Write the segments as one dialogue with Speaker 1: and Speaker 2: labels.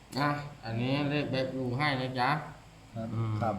Speaker 1: นะอันนี้เลขแบบดูให้นะจ๊ะ
Speaker 2: ครับ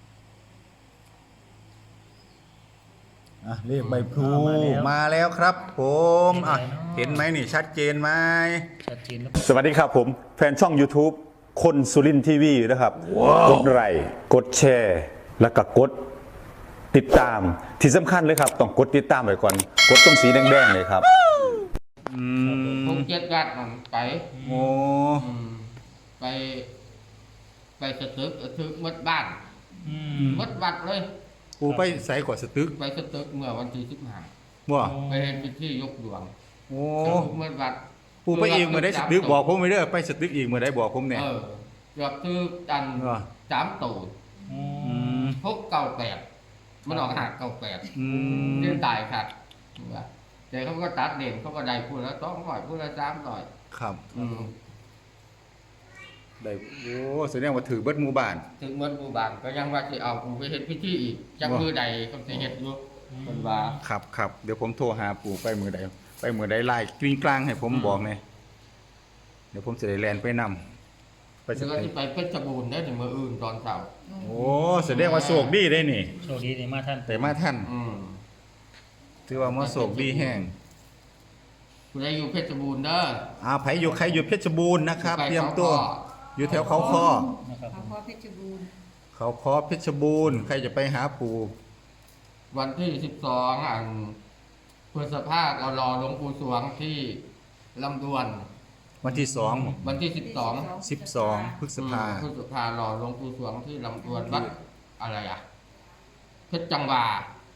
Speaker 2: เลขใบพลูมาแล้วครับผมเห็นไหมนี่ชัดเจนไหม
Speaker 3: ชัดเจนแล้ว
Speaker 4: สวัสดีครับผมแฟนช่อง YouTube คนสุรินทีวีนะครับกดไลค์กดแชร์แล้วก็กดติดตามที่สำคัญเลยครับต้องกดติดตามไว้ก่อนกดตรงสีแดงๆเลยครับ
Speaker 1: คงเจ็ดกัดมันไป
Speaker 2: โอ้
Speaker 1: ไปไปสตึกมัดบ้านมัดวัดเลย
Speaker 2: ปูไปใส่กว่าสตึก
Speaker 1: ไปสตึกเมื่อวันที่15
Speaker 2: บ่
Speaker 1: ไปเห็นเป็นที่ยกดวง
Speaker 2: โอ้
Speaker 1: มัดวัด
Speaker 2: ปูไปอีกเมื่อได้สตึกบอกผมไม่ได้ไปสตึกอีกเมื่อได้บอกผมเนี่ย
Speaker 1: เกือบคือกัน3ตูด698มันออก598ที่ตายขาดเดี๋ยวเขาก็ตัดเด่นเขาก็ได้พูดแล้ว200พูดแล้ว300
Speaker 2: ครับได้โอ้แสดงว่าถือเบิดหมู่บ้าน
Speaker 1: ถึงเมื่อหมู่บ้านก็ยังว่าจะเอาปู่ไปเฮ็ดพิธีอีกจักมือใดก็สิเฮ็ดอยู่เพิ่นว่า
Speaker 2: ครับเดี๋ยวผมโทรหาปู่ไปมือใดไล่กลิ้งกลางให้ผมบอกเลยเดี๋ยวผมจะได้แลนไปนำ
Speaker 1: แล้วก็สิไปเพชรบูรณ์ได้ถึงมื้ออื่นตอนเช้า
Speaker 2: โอ้แสดงว่าโชคดีได้นี่
Speaker 3: โชคดีได้มาท่าน
Speaker 2: แต่มาท่านถือว่ามาโชคดีแห้ง
Speaker 1: ผู้ใดอยู่เพชรบูรณ์เด้อ
Speaker 2: ไผอยู่ใครอยู่เพชรบูรณ์นะครับเตรียมตัวอยู่แถวเขาคอ
Speaker 5: เขาคอเพชรบูรณ์
Speaker 2: เขาคอเพชรบูรณ์ใครจะไปหาปู่
Speaker 1: วันที่12พฤษภาคมเรารอหลวงปู่สวงที่ลำดวน
Speaker 2: วันที่2
Speaker 1: วันที่12
Speaker 2: พฤษภ
Speaker 1: ารอหลวงปู่สวงที่ลำดวนวัดอะไรเพชรจังหวา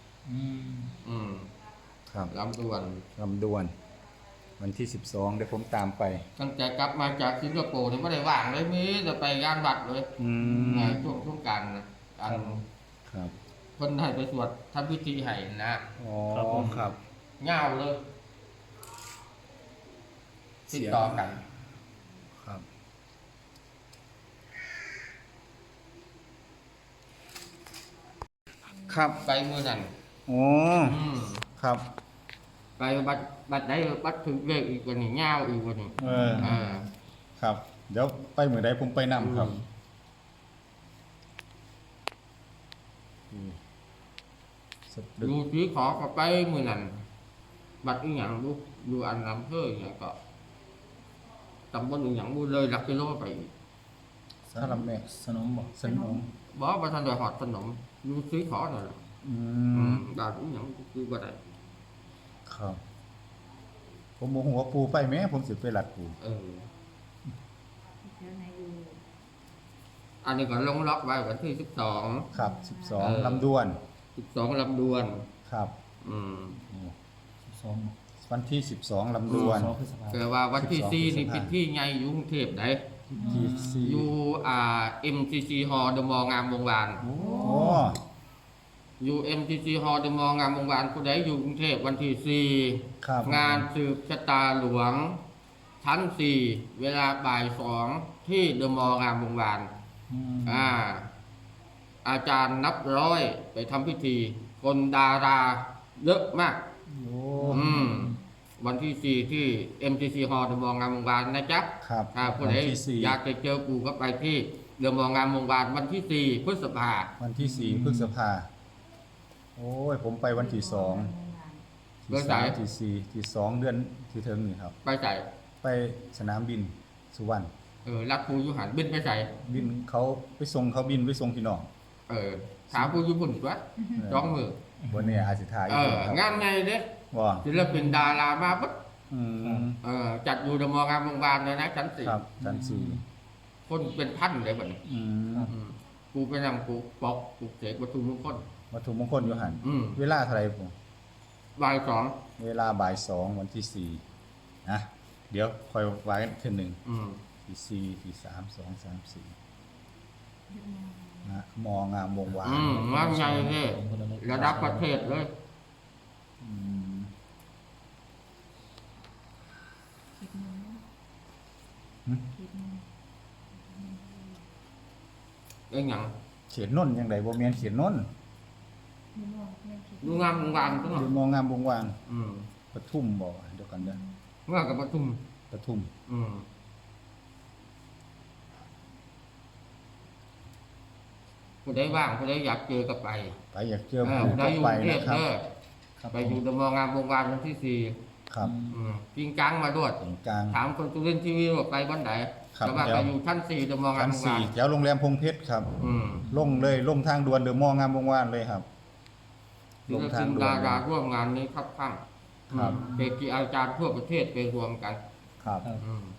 Speaker 2: ครับ
Speaker 1: ลำดวน
Speaker 2: วันที่12เดี๋ยวผมตามไป
Speaker 1: ตั้งแต่กลับมาจากสิงคโปร์นี่ไม่ได้ว่างเลยมีแต่ไปงานวัดเลยช่วงกลาง
Speaker 2: ครับ
Speaker 1: คนให้ไปสวดทำพิธีให้นะ
Speaker 2: ครับ
Speaker 1: เงาเลยติดต่อกัน
Speaker 2: ครับ
Speaker 1: ไปเมื่อนั้น
Speaker 2: ครับ
Speaker 1: ไปบัดได้บัดถึงเลขอีกวันนี้เงาอีกวันนี้
Speaker 2: ครับเดี๋ยวไปเมื่อใดผมไปนำครับ
Speaker 1: ดูสีขอก็ไปมือนั่นบัดอีหยังดูอันน้ำเพื่ออย่างก็ตำบลอีหยังเลยหลักกิโลไป
Speaker 2: สลับแม่
Speaker 3: สนมบอก
Speaker 1: บอกว่าท่านโดยหอดสนมดูสีขอหน่อยดาวอีหยังคือว่าได
Speaker 2: ครับผมโมโหว่าปูไปไหมผมสิไปหลัดปู
Speaker 1: อันนี้ก็ลงล็อกไว้วันที่12
Speaker 2: ครับ12ลำดวน
Speaker 1: ลำดวน
Speaker 2: ครับ
Speaker 3: 12
Speaker 2: วันที่12ลำดวน
Speaker 1: แต่ว่าวันที่4นี่เป็นที่ใหญ่อยู่กรุงเทพได้อยู่MCC Hall เดอะมอลล์งามวงวานอยู่ MCC Hall เดอะมอลล์งามวงวานผู้ใดอยู่กรุงเทพวันที่4งานสืบชะตาหลวงชั้น4เวลาบ่าย2ที่เดอะมอลล์งามวงวานอาจารย์นับร้อยไปทำพิธีคนดาราเยอะมากวันที่4ที่ MCC Hall เดอะมอลล์งามวงวานนะจ๊ะ
Speaker 2: ครับ
Speaker 1: ผู้ใดอยากจะเจอปู่ก็ไปที่เดอะมอลล์งามวงวานวันที่4พฤษภา
Speaker 2: วันที่4พฤษภาโอ้ยผมไปวันที่2ที่2เดือนที่ถึงนี่ครับไปสนามบินสุวรรณ
Speaker 1: รักปู่อยู่หันบินไปใส่
Speaker 2: บินเขาไปส่งเขาบินไปส่งพี่น้อง
Speaker 1: ถามปู่อยู่พุ่นตัวจ้องมือ
Speaker 2: วันนี้อาสิทาย
Speaker 1: งานไงเด้ศิลปินดารามาปุ๊บจัดอยู่เดอะมอลล์งามวงวานเลยนะชั้น4
Speaker 2: ครับชั้น
Speaker 1: 4คนเป็นพันเลยบัดนี้กูไปนำกูปอกกูเสกวัตถุมงคล
Speaker 2: อยู่หันเวลาเท่าไหร่ผม
Speaker 1: บ่าย2
Speaker 2: เวลาบ่าย2วันที่4นะเดี๋ยวคอยไว้กันทีนึงที่4ที่3 2 3 4นะมองามวงวาน
Speaker 1: งานใหญ่เลยระดับประเทศเลยยัง
Speaker 2: เขียนนนยังไงบ่แม่นเขียนนน
Speaker 1: ดูงามวงวาน
Speaker 2: ก็ดูมองงามวงวานปทุมบ่เดี๋ยวกันเด้อ
Speaker 1: ว่ากับปทุมผู้ใดว่างผู้ใดอยากเจอก็ไป
Speaker 2: ไปอยากเจอ
Speaker 1: เออ
Speaker 2: ปู่
Speaker 1: ผู้ใด
Speaker 2: ก็
Speaker 1: อยู่
Speaker 2: ไป
Speaker 1: กรุงเท
Speaker 2: นะ
Speaker 1: พ
Speaker 2: ครับ
Speaker 1: เด้อ
Speaker 3: ครับ
Speaker 1: ไปอยู่เดอะมอลล์งามวงวานวันที่สี่
Speaker 2: ครับ
Speaker 1: จริงจังมาด้วย
Speaker 2: ตรงกลาง
Speaker 1: ถามคนสุรินทร์ทีวีว่าไปวันไหน
Speaker 2: ครับ
Speaker 1: แต่ว่า
Speaker 2: เดี๋
Speaker 1: ไป
Speaker 2: ยว
Speaker 1: อยู่ชั้น4เดอะมอลล์งา
Speaker 2: ชั้
Speaker 1: ม
Speaker 2: น
Speaker 1: วงวา
Speaker 2: สี่
Speaker 1: น
Speaker 2: แถวโรงแรมพงเพชรครับ
Speaker 1: อืม
Speaker 2: ลงเลยลงทางด่วนเดอะมอลล์งามวงวานเลยครับ
Speaker 1: ศิ
Speaker 2: ล
Speaker 1: ล
Speaker 2: งทา
Speaker 1: ปิ
Speaker 2: ง
Speaker 1: น
Speaker 2: ด่วน
Speaker 1: ดาราร่วมงานนี้ครับข้าง
Speaker 2: ครับ
Speaker 1: เกจิอาจารย์ทั่วประเทศไปรวมกัน
Speaker 2: ครับ
Speaker 3: ครับ
Speaker 1: อืม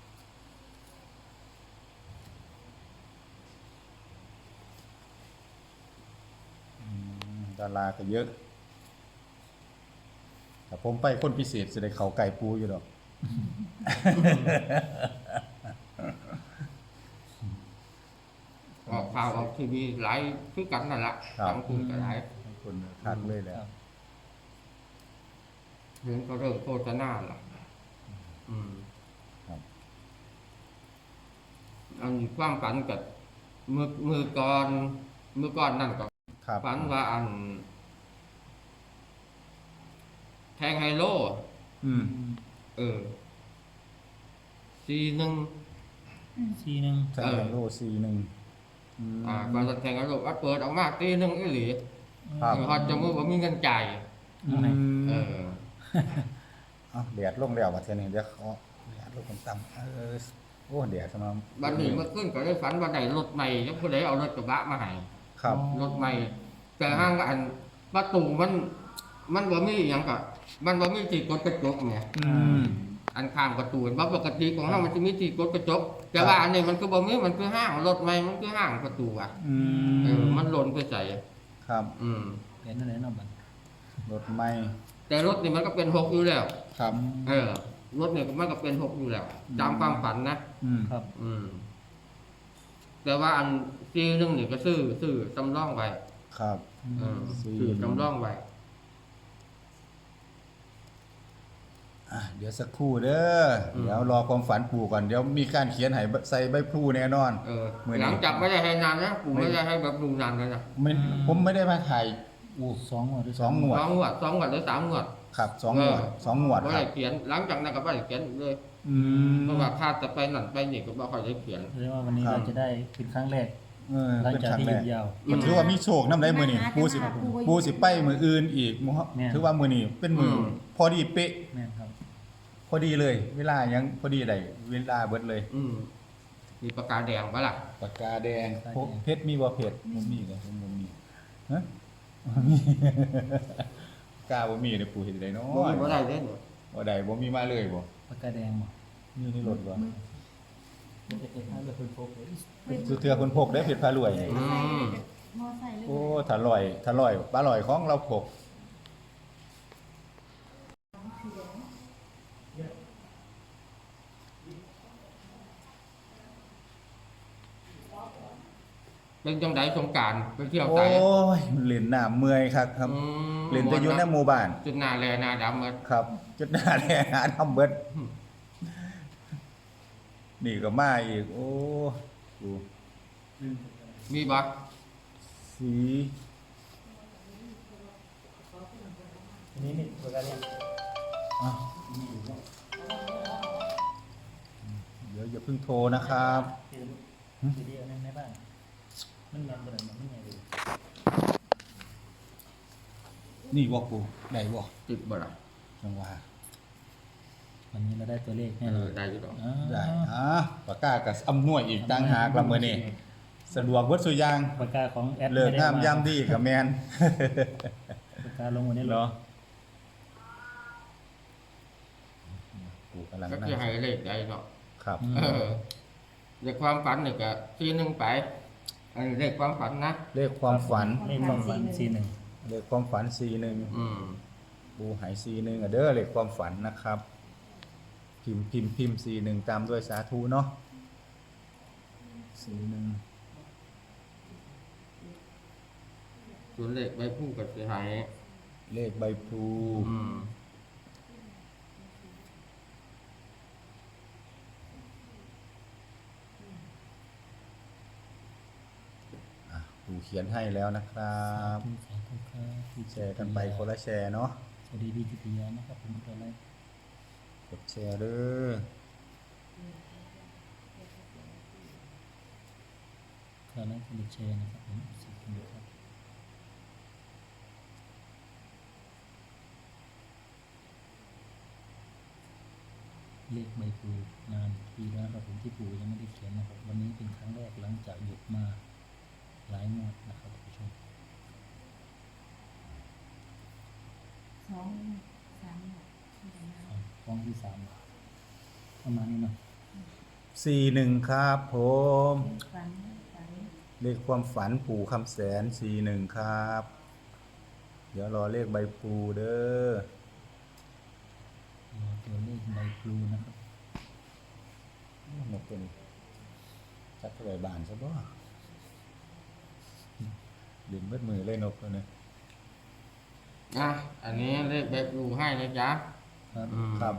Speaker 2: ดาราก็เยอะแต่ผมไปคนพิเศษจะได้เขาไก่ปูอยู่ดอก
Speaker 1: ออกข่าวออกทีวีหลายคือกันนั่นแหละ
Speaker 2: ครับ
Speaker 1: สังคุณก็หลาย
Speaker 2: ให้คนคักเลยแหละ
Speaker 3: ครับ
Speaker 1: เห็นก็เริ่มโฆษณาละอืม
Speaker 2: ครับ
Speaker 1: อันความฝันกับมือก่อนนั่นก็
Speaker 2: ครับ
Speaker 1: ฝันว่าอัน แทงไฮโล
Speaker 2: อืม
Speaker 1: เออC1
Speaker 3: ซีหนึ่ง
Speaker 2: แทงโลซีหนึ่งอืม
Speaker 1: ก่อนจะแทงไฮโลว่าเปิดออกมาC1อีหลี
Speaker 2: ครับ
Speaker 1: ฮอดจมูกว่ามีเงินจ่าย
Speaker 2: อืม
Speaker 1: เออ
Speaker 2: เอาแดดลงแล้วมาเท่านี้เดี๋ยวเขาแดดลงต่ำๆโอ้แดดสำหรับ
Speaker 1: บัดนี้เมื่อคืนก็ได้ฝันว่าได้รถใหม่แล้วผู้ใดเอารถกระบะมาให้
Speaker 2: ครับ
Speaker 1: รถใหม่ แต่ห้างอันประตูมันบ่มีหยังก็มันบ่มีที่กดกระจกไง
Speaker 2: อืม
Speaker 1: อันข้างประตูว่าปกติของเรามันจะมีที่กดกระจก แต่ว่าอันนี้มันก็บ่มีมันคือห้างรถใหม่มันคือห้างประตูอ่ะ
Speaker 2: อื
Speaker 1: เออ
Speaker 2: ม
Speaker 1: มันหล่นไปใส่
Speaker 2: ครับ
Speaker 1: อืม
Speaker 3: เห็นอะไรเนาะบัด
Speaker 2: รถไม่
Speaker 1: แต่รถนี่มันก็เป็น6อยู่แล้ว
Speaker 2: ครับ
Speaker 1: เออ รถเนี่ยมันก็เป็น6อยู่แล้วตามความฝันนะ
Speaker 2: อืม
Speaker 3: ครับ
Speaker 1: อืม แต่ว่าอันซีนึงนี่ก็ซื้อสำรองไว้
Speaker 2: ครับ
Speaker 1: เออ
Speaker 2: ซื้อ
Speaker 1: ซื้อสำรองไว้
Speaker 2: เดี๋ยวสักครู่เด้ออ
Speaker 1: ม
Speaker 2: เดี๋ยวรอความฝันปู่ก่อนเดี๋ยวมีการเขียนให้ใส่ใบพลูแน่นอน
Speaker 1: เออ
Speaker 2: มื้อนี้
Speaker 1: หลังจากไม่ได้ให้นานนะผมไม่ได้ให้แบบดูนานเลยนะ
Speaker 2: ไม่ผมไม่ได้มาถ่าย
Speaker 3: สองงวดหรือ
Speaker 2: สองงวด
Speaker 1: 2 งวดหรือ3 งวด
Speaker 2: ครับสองงวดสองงวด
Speaker 1: ไม่
Speaker 2: ครั
Speaker 1: ได้
Speaker 2: บ
Speaker 1: เขียน หลังจากนั้นก็ไม่ได้เขียนเลย
Speaker 2: อืม
Speaker 1: เพราะว่าถ้าจะไปนั่นไปนี่ก็ไม่ค่อยได้เขียน
Speaker 3: เรียกว่าวันนี้
Speaker 2: ครับ
Speaker 3: เราจะได้เป็นครั้งแรก หลัง
Speaker 2: เป็น
Speaker 3: จาก
Speaker 2: ครั้ง
Speaker 3: ที่
Speaker 2: แร
Speaker 3: หยุ
Speaker 2: ก
Speaker 3: ดยาว
Speaker 2: มันถือว่ามีโชคน้ำได้มือนี่ปูสิไปมืออื่นอีกมื้อ
Speaker 3: แม่น
Speaker 2: ถือว่ามือนี่เป็นมืออ
Speaker 1: ม
Speaker 2: พอดีเป๊ะ
Speaker 3: แม่นครับ
Speaker 2: พอดีเลย เวลายังพอดีได้เวลาเบิดเลย
Speaker 1: มีปากกาแดงปะล่ะ
Speaker 2: ปากกาแดง
Speaker 3: ปากกาแดง
Speaker 2: เพชรมีบ่เพชรบ่มีเลยผมบ่มีฮะบ่มี กาบ่มีเด้อปู่เฮ็ดได้เนาะ
Speaker 1: บ่ได้เด้เนี่ย
Speaker 2: บ่ได้บ่มีมาเลยบ่
Speaker 3: ปากกาแดงบ่
Speaker 2: มีในรถบ่
Speaker 3: มันจะเป็นให้เราเป็นโฟกัส
Speaker 2: สุเทือคนพกได้เพชรพารวย
Speaker 5: มอไซค์หรือ
Speaker 2: โอ้ถ้าลอยปลาลอยของเราพก
Speaker 1: เป็นจังไดสงกรารไปเที่ยว
Speaker 2: โอ้
Speaker 1: ไส
Speaker 2: ยเล่นน้ำเมื่อยครับครับ เล่นแต่อยู่ในหมู่บ้าน
Speaker 1: จุดหน้าแลหน้าดำหมด
Speaker 2: ครับจุดหน้าแลหาทำเบิดนี่ก็มาอีก โอ้ดู
Speaker 1: มีบ่
Speaker 2: สี
Speaker 3: นี่ปากกาแดง
Speaker 2: อ่ะเดี๋ยวอย่าเพิ่งโทรนะครับ
Speaker 3: คือเดียวในบ้านมันแม่นบ่ได้มันใหญ่เลย
Speaker 2: นี่บอกกูได้บอก
Speaker 1: ติดบ่ล่ะ
Speaker 2: จังหวะ
Speaker 3: วันนี้เราได้ตัวเลขแน่
Speaker 1: เอน
Speaker 3: อ
Speaker 1: อน ได้อยู่ดอก
Speaker 2: ได้ปากกากับอำนวยอีกตั้งหากละมื้อนี้สะดวกเบิดสุอยาง
Speaker 3: ปากกาของแอด
Speaker 2: เลิกงาม
Speaker 3: ไได้
Speaker 2: ยามดีกับแมน
Speaker 3: ปากกาลงวันนี้
Speaker 2: เห
Speaker 3: เห
Speaker 2: ร
Speaker 3: ร
Speaker 2: อ
Speaker 3: อ
Speaker 2: กูกำลัง
Speaker 1: ก็
Speaker 2: นั่
Speaker 1: คือง ให้เลขได้เนาะ
Speaker 2: ครับ
Speaker 1: เออเด็กความฝันนี่ก็ทีนึงไปอันนี้เลขความฝันนะ
Speaker 2: เลขความฝัน
Speaker 3: เลขความฝันซีหนึ่ง
Speaker 2: เลขความฝัน41
Speaker 1: อืม
Speaker 2: ปูหาย41อ่ะเด้อเลขความฝันนะครับ พิมพ์41ตามด้วยสาธุเนาะ41
Speaker 1: ส่วนเลขใบผู้ก็สิให้
Speaker 2: เลขใบพลู
Speaker 1: อืม
Speaker 2: ปูเขียนให้แล้วนะครับ
Speaker 3: สาธุครับ
Speaker 2: แชร์กันไปคนละแชร์เนาะ
Speaker 3: สวัสดีพี่กิติยานะครับผมตัวแรก
Speaker 2: กดแชร์เด้อ
Speaker 3: คาไลค์กดแชร์นะครับผมขอบคุณครับเลขใบพลูนานทีแล้วนะครับผมที่ปู่ยังไม่ได้เขียนนะครับวันนี้เป็นครั้งแรกหลังจากหยุดมาหลายงวดนะครับท่านผู้ชม
Speaker 5: สองสามหมด
Speaker 3: ฟ้องที่สามประมาณนี้เนาะ
Speaker 2: 41ครับผม
Speaker 5: ฝันฝัน
Speaker 2: เลขความฝันปู่คำแสน41ครับ เดี๋ยวรอเลขใบพลูเด้อ
Speaker 3: รอตัวเลขใบพลูนะครับ
Speaker 2: นกตัวนี้จักรไว้บานซะบ่ดึงเบิดมือเลยนกตัวนี้
Speaker 1: นะอันนี้เลขแบบดูให้นะจ๊ะ
Speaker 3: ครับ
Speaker 2: ครับ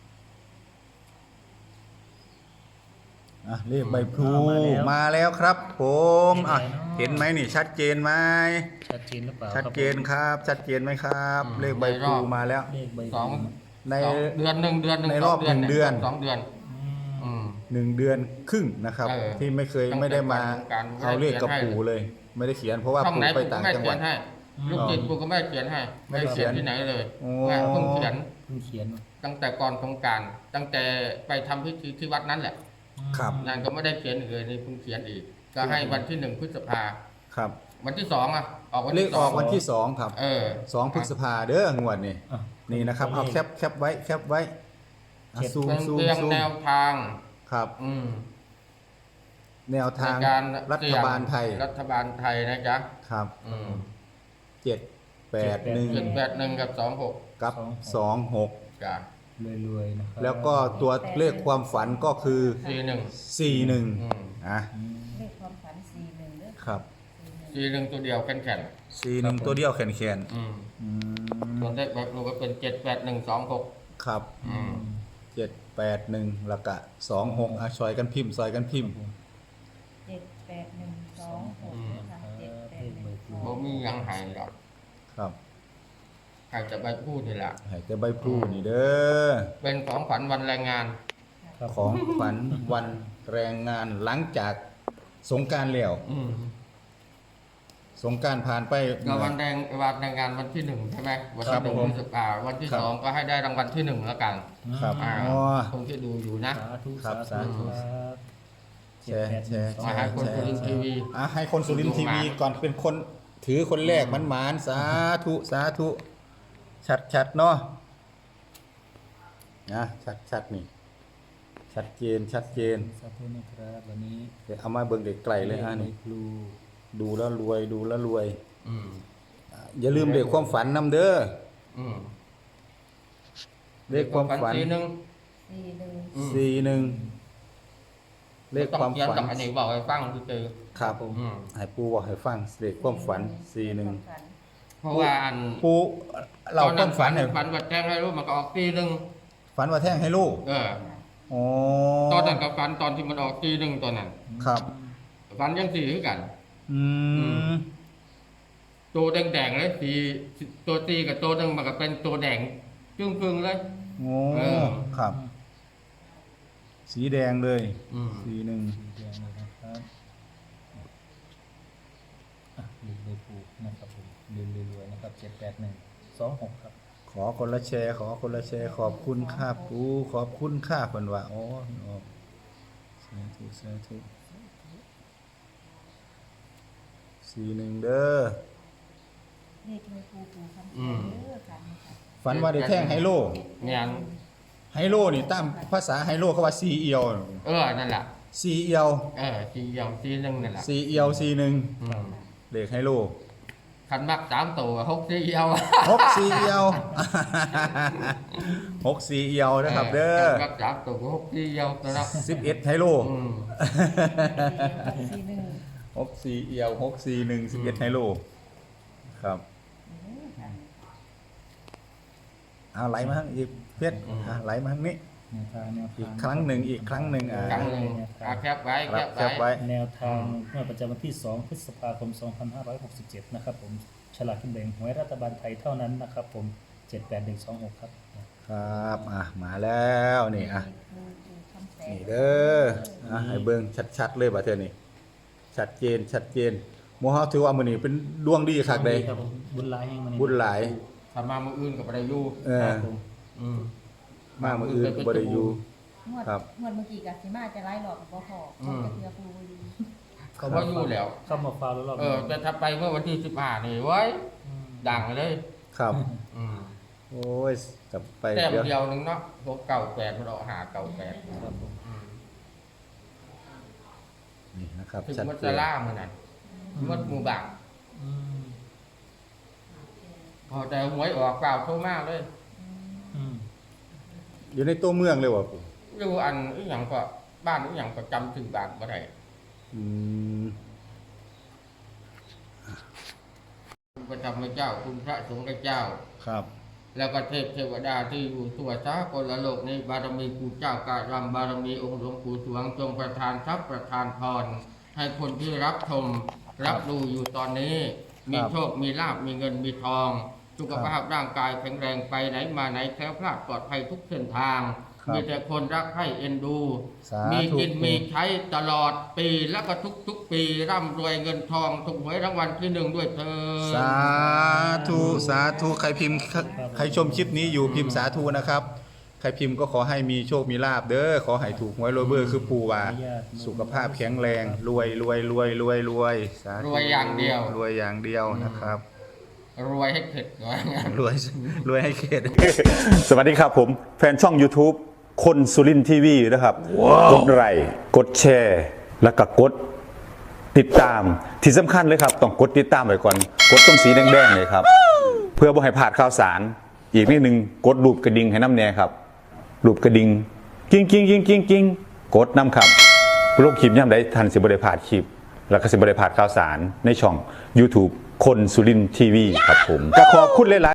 Speaker 2: เลขใบพลูมาแล้วครับผมเห็นไหมนี่ชัดเจนไหม
Speaker 3: ชัดเจนหรือเปล่า
Speaker 2: ชัดเจนครับ ชัดเจนไหมครับ เลขใบพลูมาแล้ว
Speaker 3: เลขใบพ
Speaker 1: ส
Speaker 3: ลู
Speaker 1: อง
Speaker 2: ใน
Speaker 1: สองเดือนหนึ่ง
Speaker 2: ในรอบ
Speaker 1: สง
Speaker 2: 1 เดือน
Speaker 1: สองเดือน อืม
Speaker 2: 1 เดือนครึ่งนะครับ
Speaker 1: เออ
Speaker 2: ที่ไม่เคย
Speaker 1: ตั้งแต่
Speaker 2: ไม่ได้มา
Speaker 1: การ
Speaker 2: เอาเลขกับปู่เลย ไม่ได้เขียนเพราะว่า
Speaker 1: ช่อง
Speaker 2: ปู่
Speaker 1: ไหน
Speaker 2: ไป
Speaker 1: ปู่ก็
Speaker 2: ต่าง
Speaker 1: ไม่
Speaker 2: จังห
Speaker 1: เขี
Speaker 2: วั
Speaker 1: ย
Speaker 2: ด
Speaker 1: นให้ลูกจิตปู่ก็ไม่เขียนให้
Speaker 2: ไม่ได้เขียน
Speaker 1: ที่ไหนเลย
Speaker 2: โอ้
Speaker 1: แม่เพิ่งเขียน
Speaker 3: เพิ่งเขียน
Speaker 1: ตั้งแต่ก่อนสงกรารตั้งแต่ไปทำพิธีที่วัดนั้นแหละ
Speaker 2: ครับ
Speaker 1: นั่นก็ไม่ได้เขียนอีกเลยนี่เพิ่งเขียนอีก ก็ให้วันที่ 1 พฤษภา
Speaker 2: ครับ
Speaker 1: วันที่ 2อ่ะออกวัน
Speaker 2: เล
Speaker 1: ที่
Speaker 2: ขออกวันที่ 2 ครับ
Speaker 1: เออ
Speaker 2: 2 พฤษภาเด้องวดนี่
Speaker 3: อ่ะ
Speaker 2: นี่นะครับเอาแคปไว้แคปไว้ซูม
Speaker 1: เป็น
Speaker 2: ซูม
Speaker 1: เพียง
Speaker 2: ซูม
Speaker 1: แนวทาง
Speaker 2: ครับ
Speaker 1: อืม
Speaker 2: แนวทาง
Speaker 1: ในการ
Speaker 2: รัฐบาลไทย
Speaker 1: รัฐบาลไทยนะจ๊ะ
Speaker 2: ครับ
Speaker 1: อืม
Speaker 2: 781
Speaker 1: กับ26
Speaker 2: กับ 26
Speaker 1: จ้ะ
Speaker 3: รวยๆนะครับ
Speaker 2: แล้วก็ตัวเลขความฝันก็คือ
Speaker 1: 41
Speaker 2: 41
Speaker 1: อืม
Speaker 2: อ่ะ
Speaker 5: เลขความฝัน41เด้อ
Speaker 2: ครับ
Speaker 1: 41ตัวเดียวแข็ง
Speaker 2: 41ตัวเดียวแขน
Speaker 1: ๆอืม
Speaker 2: ๆอืม
Speaker 1: ส่วนเลขแบบรูก็เป็น78126
Speaker 2: ครับ
Speaker 1: อืม
Speaker 2: 781แล้วก็26อ่ะซอยกันพิมพ์ซอยกันพิมพ์
Speaker 5: 78126นะคะ
Speaker 3: เลขใบพลู
Speaker 1: บ่มีหยังหายหรอก
Speaker 2: ครับ
Speaker 1: ใครจะไปพูดนี่แหละ
Speaker 2: ให้แต่ใบพลูนี่เด้อ
Speaker 1: เป็นของขวัญวันแรงงาน
Speaker 3: ครับ
Speaker 2: ของขวัญวันแรงงานหลังจากสงกรานต์แล้ว
Speaker 1: อืม
Speaker 2: สงกรานต์ผ่านไป
Speaker 1: ก็วันแรงงานวันที่ 1ใช่ไหมวัน
Speaker 2: ครั
Speaker 1: ที่
Speaker 2: บ
Speaker 1: 1
Speaker 2: ผม
Speaker 1: พฤษภาวันที่
Speaker 2: ครับ
Speaker 1: 2ก็ให้ได้รางวัลที่ 1แล้วกัน
Speaker 2: ครับ
Speaker 1: อ่า
Speaker 2: อ๋อ
Speaker 1: คนที่ดูอยู่นะ
Speaker 3: สาธุ
Speaker 2: ครับ
Speaker 3: สาธุ
Speaker 2: สาธุ
Speaker 3: ครับ
Speaker 2: แชร์แชร์
Speaker 1: มาให้คนสุรินทร์ทีวี
Speaker 2: ให้คนสุรินทร์ทีวีก่อนเป็นคนถือคนแรกมันหมานสาธุสาธุชัดเนาะนะชัดนี่ชัดเจน
Speaker 3: สาธุนะครับวันนี้
Speaker 2: เดี๋ยวเอามาเบิ่งไกลๆเลยฮะ
Speaker 3: ใบ
Speaker 2: นี่
Speaker 3: พลู
Speaker 2: ดูแล้วรวยดูแล้วรวย
Speaker 1: อืม
Speaker 2: อย่าลืมเลขความฝันนำเด้อ
Speaker 1: อืม
Speaker 2: เลขความฝัน
Speaker 1: ทีนึง
Speaker 5: 41
Speaker 2: 41เลขความฝัน
Speaker 1: ต้องเขียนกับอันนี้บอกให้ฟังคือ
Speaker 2: ครับ
Speaker 1: อืม
Speaker 2: ให้ปูบอกให้ฟังเลขความฝัน
Speaker 1: เพราะว่าอัน
Speaker 2: 41ปูเราความฝันให้
Speaker 1: ฝันว่าแจ้งให้รู้มันก็ออกทีนึง
Speaker 2: ฝันว่าแท่งให้ลูก
Speaker 1: เออ
Speaker 2: อ๋อ
Speaker 1: ตอนนั้นกับฝันตอนที่มันออกทีนึงตอนนั้น
Speaker 2: ครับ
Speaker 1: ฝันยังสี่คือกัน
Speaker 2: อืม
Speaker 1: ตัวแดงๆเลยสีตัวตีกับตัวหนึงมันก็เป็นตัวแดงจึ้งพึ่งเลย
Speaker 2: โอ้
Speaker 1: เออ
Speaker 2: ครับ สีแดงเลย
Speaker 1: อืม
Speaker 2: สีหนึ่ง
Speaker 3: สีแดงเลยนะครับเลขใบพลูนะครับผมรวยๆนะครับ78126ครับ
Speaker 2: ขอคนละแชร์ ขอคนละแชร์ ขอบคุณค่าปูขอบคุณค่าเพิ่นว่าอ๋อสาธุสาธุ41เด้อ
Speaker 5: เลขในปูปูคำ
Speaker 1: อืม
Speaker 5: เด้อค่ะนี่ค่ะ
Speaker 2: ฝันว่าได้แท่งไฮโล
Speaker 1: เนี่ย
Speaker 2: ไฮโลนี่ตามภาษาไฮโลเขาว่าซีเอียว
Speaker 1: นั่นแหละ
Speaker 2: ซีเอียว
Speaker 1: สีอย่างสีหนึงนั่นแหละ
Speaker 2: ซีเอียวซีหนึ่ง
Speaker 1: อืม
Speaker 2: เลขไฮโล
Speaker 1: คันมัก3ตัว6สีเอียว
Speaker 2: 6ซีเอียว6ซีเอียวนะครับเด้อ
Speaker 1: คันมัก3ตัว6สีเอียวนะครับ
Speaker 2: 11ไฮโล
Speaker 1: อืม
Speaker 5: 41
Speaker 2: 6ซีเอียว6ซี1 11ไฮโลครับเอาไหลมาทางอีกเพชรไหลมาทางนี้
Speaker 3: แนวทาง
Speaker 2: อีกครั้งหนึ่ง
Speaker 1: ครั้งหนึ่งแคปไว้
Speaker 2: ครับแคปไว้
Speaker 3: แนวทางเมื่อประจำวันที่ 2 พฤษภาคม 2567 นะครับผมฉลากกินแบ่งหวยรัฐบาลไทยเท่านั้นนะครับผม 78126 ครับ
Speaker 2: ครับมาแล้วนี่
Speaker 5: ปูปูคำแสน
Speaker 2: นี่เด้อให้เบิ่งชัดๆเลยบัดเทื่อนี้ชัดเจนชัดเจนหมู่เฮาถือว่ามื้อนี้เป็นดวงดีคักเด้
Speaker 3: ครับผมบุญหลายแห่งมัน
Speaker 2: บุญหลาย
Speaker 1: ถ้ามามื้ออื่นก็บ่ได้อยู่
Speaker 3: ครับผม
Speaker 1: อืม
Speaker 2: มามื้ออื่นก็บ่ได้อยู่
Speaker 5: งวด
Speaker 2: ครับ
Speaker 5: งวดเมื่อกี้กับสิมาจะไล่หลอกกับบ่พอต้องจะเทือปูดี
Speaker 1: เขาบ่อยู่แล้ว
Speaker 3: เข้ามาฟาวแล้วรอบ
Speaker 1: แต่ถ้าไปเมื่อวันที่15นี่เว้ยดังเลย
Speaker 2: ครับ
Speaker 1: อืม
Speaker 2: โอ้ยกลับไป
Speaker 1: แต้ม
Speaker 2: เดี๋ยว
Speaker 1: เดียวนึงเนาะพวกเก่า8มันออกหาเก่า8
Speaker 3: ครับผม
Speaker 2: นี่นะครับ
Speaker 1: ถึง
Speaker 2: ชัด
Speaker 1: มัน
Speaker 2: เจ
Speaker 1: จะ
Speaker 2: น
Speaker 1: ล่ามื้อนั้นมันหมู่บ้าน
Speaker 3: อืม
Speaker 1: พอแต่หวยออกเปล่าโทรมาเลย
Speaker 3: อืม
Speaker 2: อยู่ในตัวเมืองเลยว่ะปู่
Speaker 1: อยู่อันอีหยังก็บ้านอีหยังก็จำชื่อบ้านบ่ได้
Speaker 2: อืม
Speaker 1: พระธรรมเจ้าคุณพระสงฆ์เจ้า
Speaker 2: ครับ
Speaker 1: แล้วก็เทพเทวดาที่อยู่ทั่วสากลโลกในบารมีปู่เจ้ากาลำบารมีองค์หลวงปู่สวงจงประทานทรัพย์ประทานพร ให้คนที่รับชมรับดูอยู่ตอนนี้ มีโชคมีลาภมีเงินมีทอง สุขภาพร่างกายแข็งแรงไปไหนมาไหนแคล้วคลาดปลอดภัยทุกเส้นทาง
Speaker 2: ครับ
Speaker 1: มีแต่คนรักใคร่เอ็นดู
Speaker 2: สาธุ
Speaker 1: มีกินมีใช้ตลอดปีแล้วก็ทุกปีร่ำรวยเงินทองถูกหวยรางวัลที่1ด้วยเธอญ
Speaker 2: สาธุสาธุใครพิมพ์ใครชมคลิปนี้อยู่พิมพ์สาธุนะครับใครพิมพ์ก็ขอให้มีโชคมีลาภเด้อขอให้ถูกหวยรวยเบอร์คือปู่ว่าสุขภาพแข็งแรงรวยรวยรวยรวยรวยสาธุ
Speaker 1: รวยอย่างเดียว
Speaker 2: รวยอย่างเดียวนะครับ
Speaker 1: รวยให้เข็ดก่อน
Speaker 2: รวยรวยให้เขต
Speaker 4: สวัสดีครับผมแฟนช่อง YouTube คนสุรินทีวีนะครับกดไลค์กดแชร์ แล้วก็กดติดตามที่สำคัญเลยครับต้องกดติดตามไว้ก่อนกดตรงสีแดงๆเลยครับ เพื่อบ่ให้พลาดข่าวสาร อีกนิดนึงกดรูปกระดิ่งให้น้ำแน่ครับรูปกระดิ่งกิ้งกิ้งกิ้งกิ้งกิ้งกดน้ำครับโลกคลิปย่ำได้ทันสิบได้พลาดคลิป แล้วก็สิบได้พลาดข่าวสารในช่อง YouTube คนสุรินทีวีครับผมก็ขอบคุณหลายๆ